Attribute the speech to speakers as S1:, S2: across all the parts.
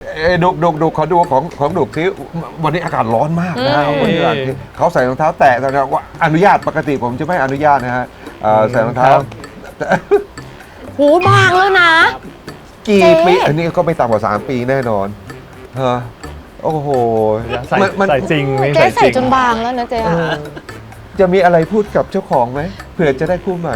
S1: ดุขอดูของดุที่วันนี้อากาศร้อนมากนะวันนี้เขาใส่รองเท้าแตะนะว่าอนุญาตปกติผมจะไม่อนุญาตนะฮะใส่รองเท้า
S2: หูบางแล้วนะ
S1: กี่ปีอันนี้ก็ไม่ต่ำกว่า3 ปีแน่นอนโอ้โห
S3: ใส่จริง
S2: เจ๊ใส่จนบางแล้วนะเจ๊
S1: จะมีอะไรพูดกับเจ้าของไหมเผื่อจะได้คู่ใหม่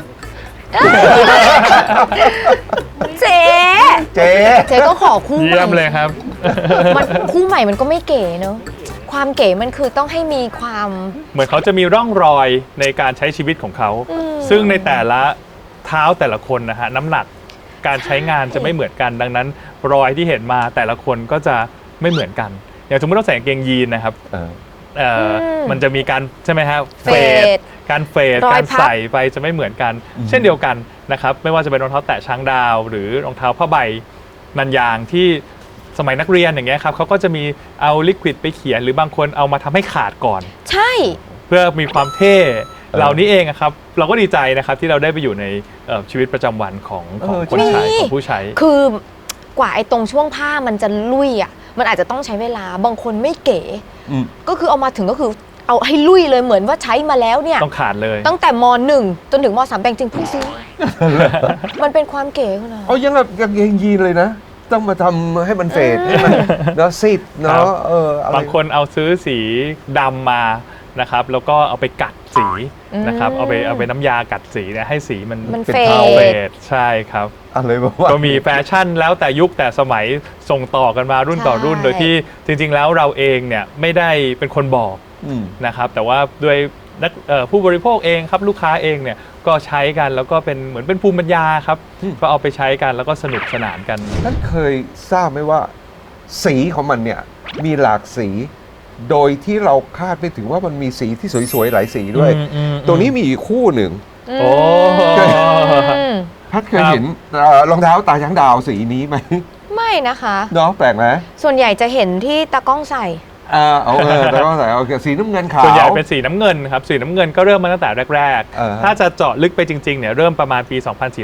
S2: เจ๊ก็ขอคู่ใหม่
S3: เยี่ยมเลยครับ
S2: มันคู่ใหม่มันก็ไม่เก๋เนอะความเก๋มันคือต้องให้มีความ
S3: เหมือนเขาจะมีร่องรอยในการใช้ชีวิตของเขาซึ่งในแต่ละเท้าแต่ละคนนะฮะน้ำหนักการใช้งานจะไม่เหมือนกันดังนั้นรอยที่เห็นมาแต่ละคนก็จะไม่เหมือนกันอย่างสมมติเราใส่กางเกงยีนนะครับมันจะมีการใช่ไหมฮะการเฟดการใส่ไปจะไม่เหมือนกันเช่นเดียวกันนะครับไม่ว่าจะเป็นรองเท้าแตะช้างดาวหรือรองเท้าผ้าใบนันยางที่สมัยนักเรียนอย่างเงี้ยครับเขาก็จะมีเอาลิควิดไปเขียนหรือบางคนเอามาทำให้ขาดก่อน
S2: ใช่
S3: เพื่อมีความเท่เหล่านี้เองครับเราก็ดีใจนะครับที่เราได้ไปอยู่ในชีวิตประจำวันของคนใช้ของผู้ใช้
S2: คือกว่าไอ้ตรงช่วงผ้ามันจะลุยอ่ะมันอาจจะต้องใช้เวลาบางคนไม่เก๋ก็คือเอามาถึงก็คือเอาให้ลุยเลยเหมือนว่าใช้มาแล้วเนี่ย
S3: ต้องขาดเลย
S2: ตั้งแต่ม.1 จนถึงม.3 แต่จริงเพิ่งซื้อมันเป็นความเก๋ขนาด
S1: ยังกับกางเกงยีนเลยนะต้องมาทำให้มันเฟดให้มันเนาะซีดเนาะ
S3: บางคนเอาซื้อสีดำมานะครับแล้วก็เอาไปกัดสีนะครับเอาไปน้ำยากัดสีเนี่ยให้สีมัน
S2: เป็น
S3: เฟดใช่ครับ
S1: อะไรแบบว่า
S3: ก็มีแฟชั่นแล้วแต่ยุคแต่สมัยส่งต่อกันมารุ่นต่อรุ่นโดยที่จริงๆแล้วเราเองเนี่ยไม่ได้เป็นคนบอกนะครับแต่ว่าด้วยผู้บริโภคเองครับลูกค้าเองเนี่ยก็ใช้กันแล้วก็เป็นเหมือนเป็นภูมิปัญญาครับก็เอาไปใช้กันแล้วก็สนุกสนานกัน
S1: ท่านเคยทราบไหมว่าสีของมันเนี่ยมีหลากสีโดยที่เราคาดไม่ถึงว่ามันมีสีที่สวยๆหลายสีด้วยตัวนี้มีอีกคู่หนึ่ง
S3: โอ้
S1: พัดเคยเห็นรองเท้าตาช้างดาวสีนี้ไหม
S2: ไม่นะคะ
S1: เนาะแปลกไหม
S2: ส่วนใหญ่จะเห็นที่ตากล้องใส่
S1: ตากล้องใส่สีน้ำเงินขาว
S3: ส่วนใหญ่เป็นสีน้ำเงินครับสีน้ำเงินก็เริ่มมาตั้งแต่แรกๆถ้าจะเจาะลึกไปจริงๆเนี่ยเริ่มประมาณปี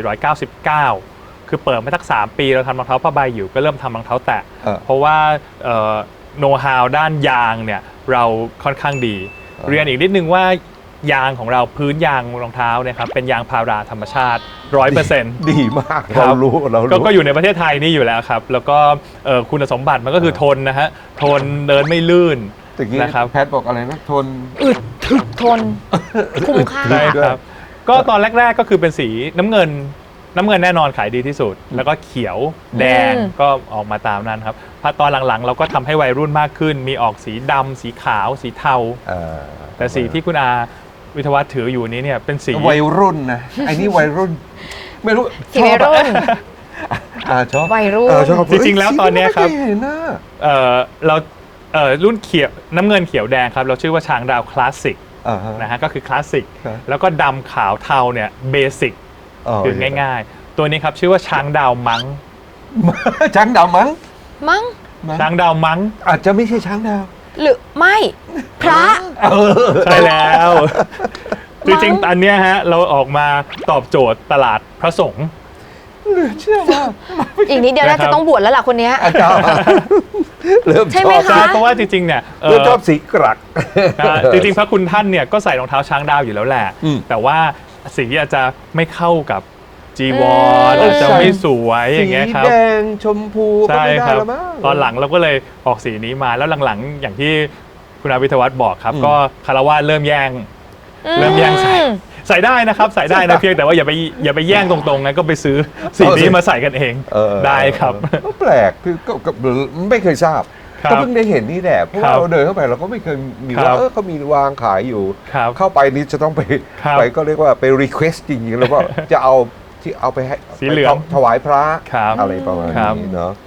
S3: 2499 คือเปิดมาสัก3 ปีเราทำรองเท้าผ้าใบอยู่ก็เริ่มทำรองเท้าแตะเพราะว่าโน้ตฮาวด้านยางเนี่ยเราค่อนข้างดีเรียนอีกนิดนึงว่ายางของเราพื้นยางรองเท้าเนี่ยครับเป็นยางพาราธรรมชาติ 100%
S1: ดีมากเรารู้
S3: ก็อยู่ในประเทศไทยนี่อยู่แล้วครับแล้วก็คุณสมบัติมันก็คือทนนะฮะทนเดินไม่ลื่น
S1: นะครับแพทบอกอะไรนะทน
S2: อึดถึกทนคุ้มค่า
S3: ใช่ครับก็ตอนแรกๆก็คือเป็นสีน้ำเงินแน่นอนขายดีที่สุดแล้วก็เขียวแดงก็ออกมาตามนั้นครับพอตอนหลังๆเราก็ทำให้วัยรุ่นมากขึ้นมีออกสีดำสีขาวสีเทาแต่สีที่คุณอาวิทยาวัฒน์ถืออยู่นี้เนี่ยเป็นสี
S1: วัยรุ่นนะไอ้นี่วัยรุ่นไม่รู้
S2: ชอบวัยรุ่น
S1: ชอบ
S2: วัยรุ่น
S3: จริงๆแล้วตอนนี้ครับเรารุ่นเขียวน้ำเงินเขียวแดงครับเราชื่อว่าช้างดาวคลาสสิกนะฮะก็คือคลาสสิกแล้วก็ดำขาวเทาเนี่ยเบสิกคือง่ายๆตัวนี้ครับชื่อว่าช้างดาวมัง
S1: ช้างดาวมัง
S3: ช้างดาวมัง
S1: อาจจะไม่ใช่ช้างดาว
S2: หรือไม่พระ
S3: ใช่แล้วจริงๆอันเนี้ยฮะเราออกมาตอบโจทย์ตลาดพระสงฆ์
S1: เชื่อว่า
S2: อีกนิดเดียวน่าจะต้องบวชแล้วล่ะคนนี้ใช่ไหมคะ
S3: เพราะว่าจริงๆเนี่ย
S1: ชอบสีกรัก
S3: จริงๆพระคุณท่านเนี่ยก็ใส่รองเท้าช้างดาวอยู่แล้วแหละแต่ว่าสีอาจจะไม่เข้ากับจีวรอาจจะไม่สวยอย่างเงี้ยครับ
S1: สีแดงชมพูก็ไม่ได้แล้วมั้ง
S3: ตอนหลังเราก็เลยออกสีนี้มาแล้วหลังๆอย่างที่คุณอาวิทยาวัฒน์บอกครับก็คารวะเริ่มแย่งใส่ได้นะครับใส่ได้นะเพียงแต่ว่าอย่าไปแย่งตรงๆนะก็ไปซื้อสีนี้มาใส่กันเองได้ครับ
S1: ก็แปลกคือก็ไม่เคยทราบก็เพิ่งได้เห็นนี่แหละเพราะเราเดินเข้าไปเราก็ไม่เคยมีว่าเขามีวางขายอยู่เข้าไปนี่จะต้องไปก็เรียกว่าไปรีเควสจริงๆแล้วก็จะเอาที่เอาไปให้
S3: สีเหลือง
S1: ถวายพระอะไรประมาณนี้เนาะ